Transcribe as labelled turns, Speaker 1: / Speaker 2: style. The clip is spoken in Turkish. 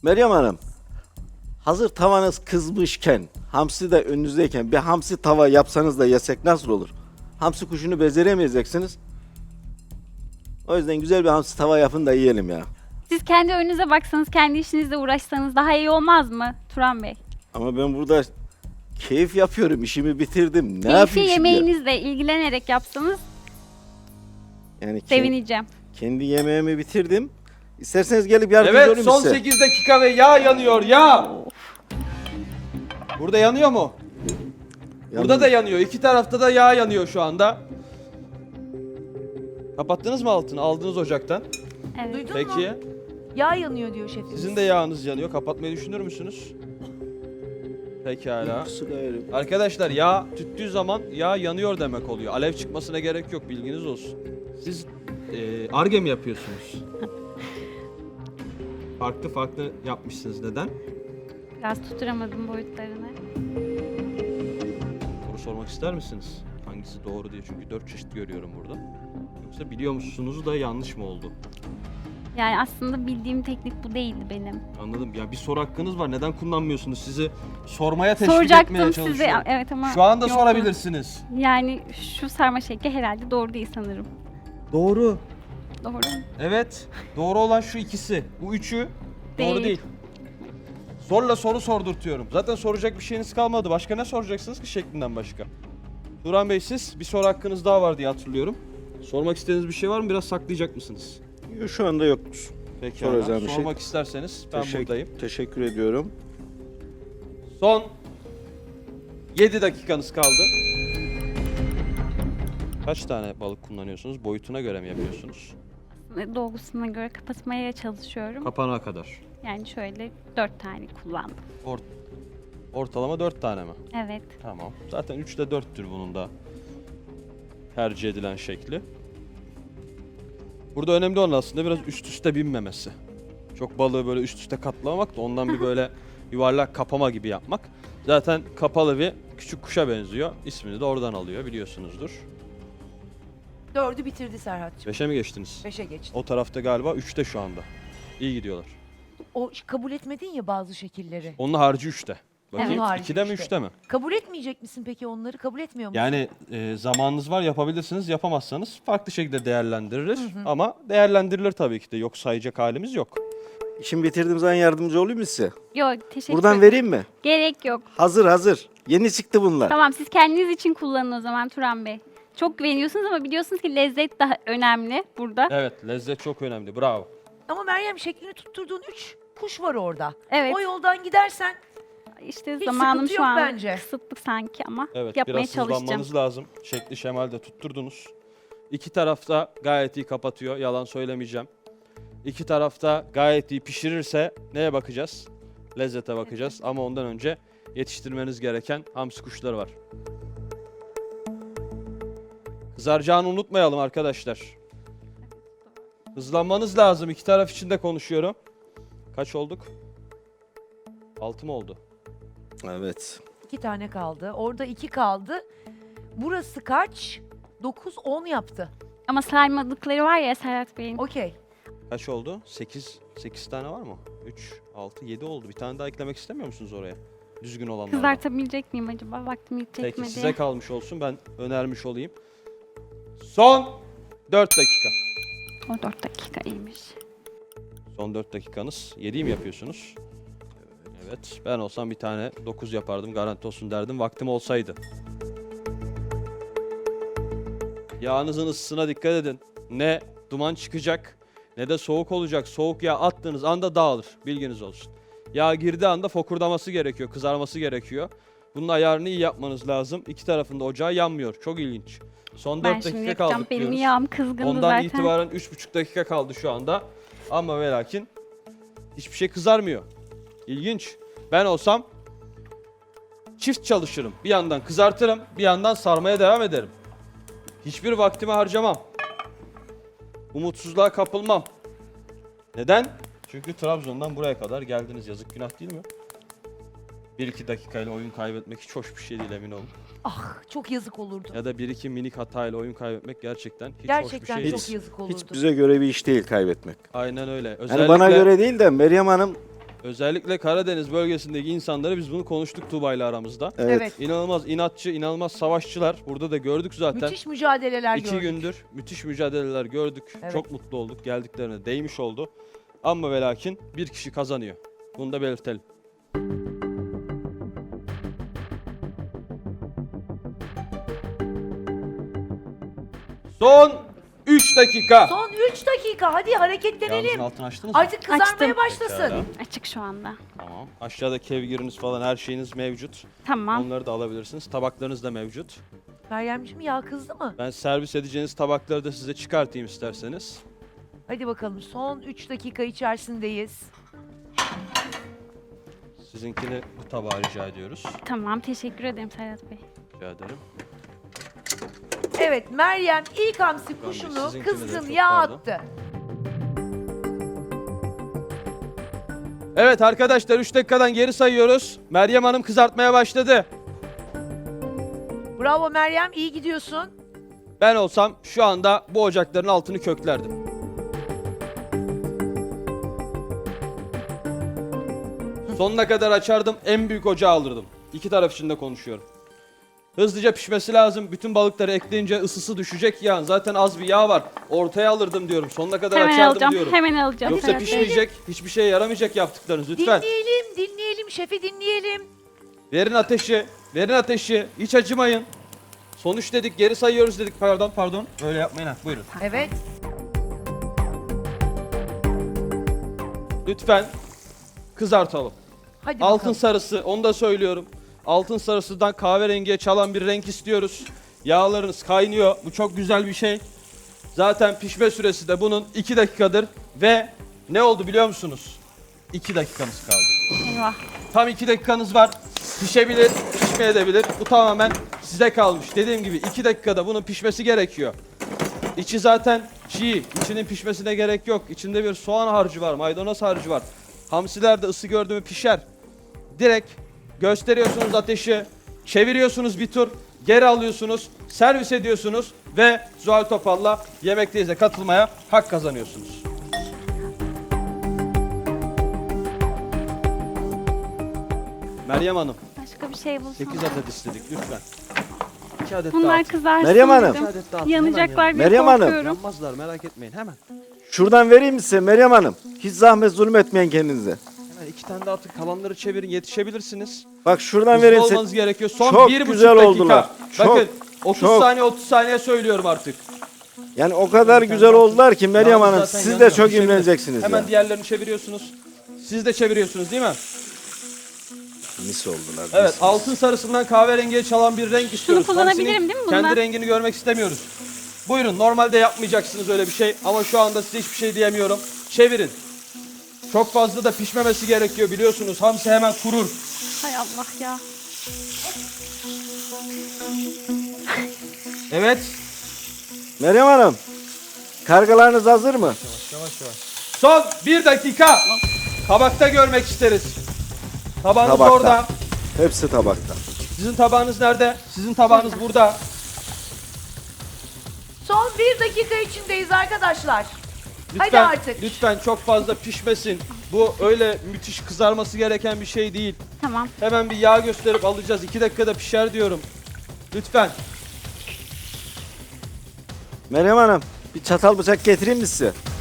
Speaker 1: Meryem Hanım, hazır tavanız kızmışken, hamsi de önünüzdeyken bir hamsi tava yapsanız da yesek nasıl olur? Hamsi kuşunu beceremeyeceksiniz. O yüzden güzel bir hamsi tava yapın da yiyelim ya.
Speaker 2: Siz kendi önünüze baksanız, kendi işinizle uğraşsanız daha iyi olmaz mı Turan Bey?
Speaker 1: Ama ben burada keyif yapıyorum, işimi bitirdim. Ne
Speaker 2: Keyfi
Speaker 1: yapayım şimdi?
Speaker 2: yemeğinizle ilgilenerek yapsanız
Speaker 1: Yani
Speaker 2: sevineceğim.
Speaker 1: kendi yemeğimi bitirdim. İsterseniz gelip yardımcı
Speaker 3: Evet,
Speaker 1: olayım
Speaker 3: son
Speaker 1: size.
Speaker 3: 8 dakika ve yağ yanıyor, yağ! Burada yanıyor mu? Burada da yanıyor. İki tarafta da yağ yanıyor şu anda. Kapattınız mı altını? Aldınız ocaktan.
Speaker 2: Evet.
Speaker 4: Duydun
Speaker 3: Peki.
Speaker 4: mu? Yağ yanıyor diyor şefimiz.
Speaker 3: Sizin de yağınız yanıyor. Kapatmayı düşünür müsünüz? Pekala.
Speaker 1: Su gayrı.
Speaker 3: Arkadaşlar yağ tüttüğü zaman yağ yanıyor demek oluyor. Alev çıkmasına gerek yok, bilginiz olsun. Siz Ar-Ge mi yapıyorsunuz? Farklı farklı yapmışsınız. Neden?
Speaker 2: Biraz tutturamadım boyutlarını.
Speaker 3: Soru sormak ister misiniz? Hangisi doğru diye, çünkü 4 çeşit görüyorum burada. Yoksa biliyor musunuz da yanlış mı oldu?
Speaker 2: Yani aslında bildiğim teknik bu değildi benim.
Speaker 3: Anladım. Ya bir soru hakkınız var. Neden kullanmıyorsunuz? Sizi sormaya teşvik etmeye
Speaker 2: Soracaktım
Speaker 3: çalışıyorum.
Speaker 2: size, evet ama
Speaker 3: Şu anda
Speaker 2: yoktu.
Speaker 3: sorabilirsiniz.
Speaker 2: Yani şu sarma şekli herhalde doğru değil sanırım.
Speaker 3: Doğru.
Speaker 2: Doğru mu?
Speaker 3: Evet. Doğru olan şu ikisi. Bu üçü doğru
Speaker 2: Değil.
Speaker 3: değil. Zorla soru sordurtuyorum. Zaten soracak bir şeyiniz kalmadı. Başka ne soracaksınız ki şeklinden başka? Turan Bey, siz bir soru hakkınız daha var diye hatırlıyorum. Sormak istediğiniz bir şey var mı? Biraz saklayacak mısınız?
Speaker 1: Şu anda yoktur.
Speaker 3: Peki.
Speaker 1: Soracağım bir şey.
Speaker 3: Sormak isterseniz ben buradayım.
Speaker 1: Teşekkür ediyorum.
Speaker 3: Son 7 dakikanız kaldı. Kaç tane balık kullanıyorsunuz? Boyutuna göre mi yapıyorsunuz?
Speaker 2: Dolgusuna göre kapatmaya çalışıyorum.
Speaker 3: Kapana kadar.
Speaker 2: Yani şöyle 4 tane kullandım.
Speaker 3: Ortalama 4 tane mi?
Speaker 2: Evet.
Speaker 3: Tamam. Zaten 3'te 4'tür bunun da tercih edilen şekli. Burada önemli olan aslında biraz üst üste binmemesi. Çok balığı böyle üst üste katlamamak da ondan bir böyle yuvarlak kapama gibi yapmak. Zaten kapalı bir küçük kuşa benziyor. İsmini de oradan alıyor, biliyorsunuzdur.
Speaker 4: 4'ü bitirdi Serhat'cığım.
Speaker 3: 5'e mi geçtiniz?
Speaker 4: 5'e geçti.
Speaker 3: O tarafta galiba 3'te şu anda. İyi gidiyorlar.
Speaker 4: O kabul etmedin ya bazı şekilleri.
Speaker 3: Onun harici 3'te. Bakayım
Speaker 4: Onun harici
Speaker 3: 2'de mi
Speaker 4: üçte.
Speaker 3: 3'te mi?
Speaker 4: Kabul etmeyecek misin peki onları? Kabul etmiyor musun?
Speaker 3: Yani zamanınız var, yapabilirsiniz, yapamazsanız farklı şekilde değerlendirilir. Ama değerlendirilir tabii ki de, yok sayacak halimiz yok.
Speaker 1: İşimi bitirdiğim zaman yardımcı olayım mı size?
Speaker 2: Yok, teşekkür
Speaker 1: Buradan
Speaker 2: ederim.
Speaker 1: vereyim mi?
Speaker 2: Gerek yok.
Speaker 1: Hazır. Yeni çıktı bunlar.
Speaker 2: Tamam, siz kendiniz için kullanın o zaman Turan Bey. Çok güveniyorsunuz ama biliyorsunuz ki lezzet daha önemli burada.
Speaker 3: Evet, lezzet çok önemli. Bravo.
Speaker 4: Ama Meryem, şeklini tutturduğun 3 kuş var orada.
Speaker 2: Evet.
Speaker 4: O yoldan gidersen
Speaker 2: İşte
Speaker 4: Hiç
Speaker 2: zamanım
Speaker 4: sıkıntı
Speaker 2: şu
Speaker 4: yok
Speaker 2: an
Speaker 4: bence.
Speaker 2: kısıtlı sanki ama
Speaker 3: Evet,
Speaker 2: yapmaya
Speaker 3: biraz
Speaker 2: çalışacağım.
Speaker 3: hızlanmanız lazım. Şekli şemalde tutturdunuz. İki tarafta gayet iyi kapatıyor, yalan söylemeyeceğim. İki tarafta gayet iyi pişirirse neye bakacağız? Lezzete bakacağız ama ondan önce yetiştirmeniz gereken hamsi kuşları var. Kızaracağını unutmayalım arkadaşlar. Hızlanmanız lazım. İki taraf için de konuşuyorum. Kaç olduk? 6 mı oldu?
Speaker 1: Evet.
Speaker 4: 2 tane kaldı. Orada 2 kaldı. Burası kaç? 9, 10 yaptı.
Speaker 2: Ama saymadıkları var ya Serhat Bey'in.
Speaker 4: Okey.
Speaker 3: Kaç oldu? 8 tane var mı? 3, 6, 7 oldu. Bir tane daha eklemek istemiyor musunuz oraya? Düzgün olanlardan.
Speaker 2: Kızartabilecek miyim acaba? Vaktim yetecek
Speaker 3: Peki
Speaker 2: mi
Speaker 3: size
Speaker 2: diye.
Speaker 3: kalmış olsun. Ben önermiş olayım. Son 4 dakika.
Speaker 2: O 4 dakika iyiymiş.
Speaker 3: Son 4 dakikanız. 7'yi mi yapıyorsunuz? Evet. Ben olsam bir tane 9 yapardım. Garanti olsun derdim. Vaktim olsaydı. Yağınızın ısısına dikkat edin. Ne duman çıkacak ne de soğuk olacak. Soğuk yağ attığınız anda dağılır. Bilginiz olsun. Yağ girdiği anda fokurdaması gerekiyor. Kızarması gerekiyor. Bunun ayarını iyi yapmanız lazım. İki tarafında ocağı yanmıyor. Çok ilginç. Son 4
Speaker 2: Ben şimdi
Speaker 3: dakika
Speaker 2: yapacağım.
Speaker 3: kaldık
Speaker 2: Benim
Speaker 3: diyoruz.
Speaker 2: yağım kızgındı
Speaker 3: Ondan
Speaker 2: zaten.
Speaker 3: itibaren 3,5 dakika kaldı şu anda. Ama ve lakin hiçbir şey kızarmıyor. İlginç. Ben olsam çift çalışırım. Bir yandan kızartırım, bir yandan sarmaya devam ederim. Hiçbir vaktimi harcamam. Umutsuzluğa kapılmam. Neden? Çünkü Trabzon'dan buraya kadar geldiniz. Yazık, günah değil mi? 1-2 dakikayla oyun kaybetmek hiç hoş bir şey değil, emin olun.
Speaker 4: Ah, çok yazık olurdu.
Speaker 3: Ya da 1-2 minik hatayla oyun kaybetmek gerçekten hiç hoş bir
Speaker 4: Gerçekten
Speaker 3: şey
Speaker 4: çok
Speaker 3: değil.
Speaker 4: yazık olurdu.
Speaker 1: Hiç bize göre bir iş değil kaybetmek.
Speaker 3: Aynen öyle.
Speaker 1: Yani bana göre değil de Meryem Hanım
Speaker 3: Özellikle Karadeniz bölgesindeki insanları biz bunu konuştuk Tuğba ile aramızda.
Speaker 4: Evet.
Speaker 3: İnanılmaz inatçı, inanılmaz savaşçılar. Burada da gördük zaten.
Speaker 4: Müthiş mücadeleler
Speaker 3: 2
Speaker 4: gördük.
Speaker 3: gündür müthiş mücadeleler gördük.
Speaker 4: Evet.
Speaker 3: Çok mutlu olduk. Geldiklerine değmiş oldu. Ama ve lakin bir kişi kazanıyor. Bunu da belirtelim. Son 3 dakika.
Speaker 4: Son 3 dakika. Hadi hareketlenelim.
Speaker 3: Yağınızın altını açtınız mı?
Speaker 4: Artık kızarmaya
Speaker 2: Açtım.
Speaker 4: başlasın.
Speaker 3: Pekala.
Speaker 2: Açık şu anda.
Speaker 3: Tamam. Aşağıda kevgiriniz falan her şeyiniz mevcut.
Speaker 2: Tamam.
Speaker 3: Onları da alabilirsiniz. Tabaklarınız da mevcut.
Speaker 4: Meryemciğim yağ kızdı mı?
Speaker 3: Ben servis edeceğiniz tabakları da size çıkartayım isterseniz.
Speaker 4: Hadi bakalım son 3 dakika içerisindeyiz.
Speaker 3: Sizinkini bu tabağa rica ediyoruz.
Speaker 2: Tamam. Teşekkür ederim Serhat Bey.
Speaker 3: Rica ederim.
Speaker 4: Evet Meryem ilk hamsi
Speaker 3: Bey,
Speaker 4: kuşunu
Speaker 3: sizinkine de
Speaker 4: kızgın
Speaker 3: çok
Speaker 4: yağ
Speaker 3: pardon.
Speaker 4: attı.
Speaker 3: Evet arkadaşlar 3 dakikadan geri sayıyoruz. Meryem Hanım kızartmaya başladı.
Speaker 4: Bravo Meryem iyi gidiyorsun.
Speaker 3: Ben olsam şu anda bu ocakların altını köklerdim. Sonuna kadar açardım, en büyük ocağı alırdım. İki taraf için de konuşuyorum. Hızlıca pişmesi lazım. Bütün balıkları ekleyince ısısı düşecek yağın. Zaten az bir yağ var. Ortaya alırdım diyorum. Sonuna kadar
Speaker 2: Hemen
Speaker 3: açardım
Speaker 2: alacağım.
Speaker 3: diyorum.
Speaker 2: Hemen alacağım.
Speaker 3: Yoksa
Speaker 2: Serhat Bey.
Speaker 3: pişmeyecek, hiçbir şeye yaramayacak yaptıklarınız lütfen.
Speaker 4: Dinleyelim şefi dinleyelim.
Speaker 3: Verin ateşi, verin ateşi. Hiç acımayın. Sonuç dedik, geri sayıyoruz dedik. Pardon. Öyle yapmayın ha. Buyurun.
Speaker 4: Evet.
Speaker 3: Lütfen kızartalım.
Speaker 4: Hadi
Speaker 3: Altın
Speaker 4: bakalım.
Speaker 3: sarısı, onu da söylüyorum. Altın sarısından kahverengiye çalan bir renk istiyoruz. Yağlarınız kaynıyor. Bu çok güzel bir şey. Zaten pişme süresi de bunun 2 dakikadır. Ve ne oldu biliyor musunuz? 2 dakikamız kaldı.
Speaker 2: Eyvah.
Speaker 3: Tam 2 dakikanız var. Pişebilir, pişmeyebilir. Bu tamamen size kalmış. Dediğim gibi 2 dakikada bunun pişmesi gerekiyor. İçi zaten çiğ. İçinin pişmesine gerek yok. İçinde bir soğan harcı var, maydanoz harcı var. Hamsiler de ısı gördü mü pişer. Direkt gösteriyorsunuz ateşi, çeviriyorsunuz bir tur, geri alıyorsunuz, servis ediyorsunuz ve Zuhal Topal'la Yemekteyiz katılmaya hak kazanıyorsunuz. Meryem Hanım,
Speaker 2: Başka bir şey bulsam.
Speaker 3: 8 adet istedik lütfen. 2 adet
Speaker 2: Bunlar
Speaker 3: daha atın.
Speaker 2: kızarsın
Speaker 1: Meryem Hanım.
Speaker 2: dedim.
Speaker 3: 2 adet daha atın,
Speaker 2: Yanacaklar
Speaker 3: hemen
Speaker 2: diye
Speaker 1: Meryem Hanım.
Speaker 2: korkuyorum.
Speaker 3: Yanmazlar merak etmeyin hemen.
Speaker 1: Şuradan vereyim mi size Meryem Hanım? Hiç zahmet zulmetmeyin kendinize.
Speaker 3: Hemen 2 tane daha atın, kalanları çevirin, yetişebilirsiniz.
Speaker 1: Bak şuradan
Speaker 3: Hızlı
Speaker 1: vereyim size.
Speaker 3: olmanız gerekiyor. Son
Speaker 1: Çok
Speaker 3: 1,5
Speaker 1: güzel
Speaker 3: dakika.
Speaker 1: oldular.
Speaker 3: Bakın 30
Speaker 1: çok.
Speaker 3: saniye 30 saniye söylüyorum artık.
Speaker 1: Yani o kadar güzel oldular ki Meryem
Speaker 3: Yağınız
Speaker 1: Hanım
Speaker 3: zaten
Speaker 1: siz de
Speaker 3: yanıyor,
Speaker 1: çok
Speaker 3: pişebilir.
Speaker 1: imreneceksiniz
Speaker 3: Hemen
Speaker 1: ya.
Speaker 3: diğerlerini çeviriyorsunuz. Siz de çeviriyorsunuz değil mi?
Speaker 1: Mis oldular.
Speaker 3: Evet,
Speaker 1: mis.
Speaker 3: altın sarısından kahverengiye çalan bir renk istiyoruz.
Speaker 2: kullanabilirim
Speaker 3: Hamsinin
Speaker 2: değil mi bundan?
Speaker 3: kendi rengini görmek istemiyoruz. Buyurun, normalde yapmayacaksınız öyle bir şey ama şu anda size hiçbir şey diyemiyorum. Çevirin. Çok fazla da pişmemesi gerekiyor biliyorsunuz. Hamsi hemen kurur.
Speaker 2: Hay Allah ya.
Speaker 3: Evet.
Speaker 1: Meryem Hanım, kargalarınız hazır mı?
Speaker 3: Son 1 dakika. Tabakta görmek isteriz. Tabağınız
Speaker 1: Tabakta.
Speaker 3: orada.
Speaker 1: Hepsi tabakta.
Speaker 3: Sizin tabağınız nerede? Sizin tabağınız burada.
Speaker 4: Son 1 dakika içindeyiz arkadaşlar.
Speaker 3: Lütfen,
Speaker 4: Hadi artık.
Speaker 3: lütfen çok fazla pişmesin. Bu öyle müthiş kızarması gereken bir şey değil.
Speaker 2: Tamam.
Speaker 3: Hemen bir yağ gösterip alacağız. 2 dakikada pişer diyorum. Lütfen.
Speaker 1: Meryem Hanım, bir çatal bıçak getireyim mi size?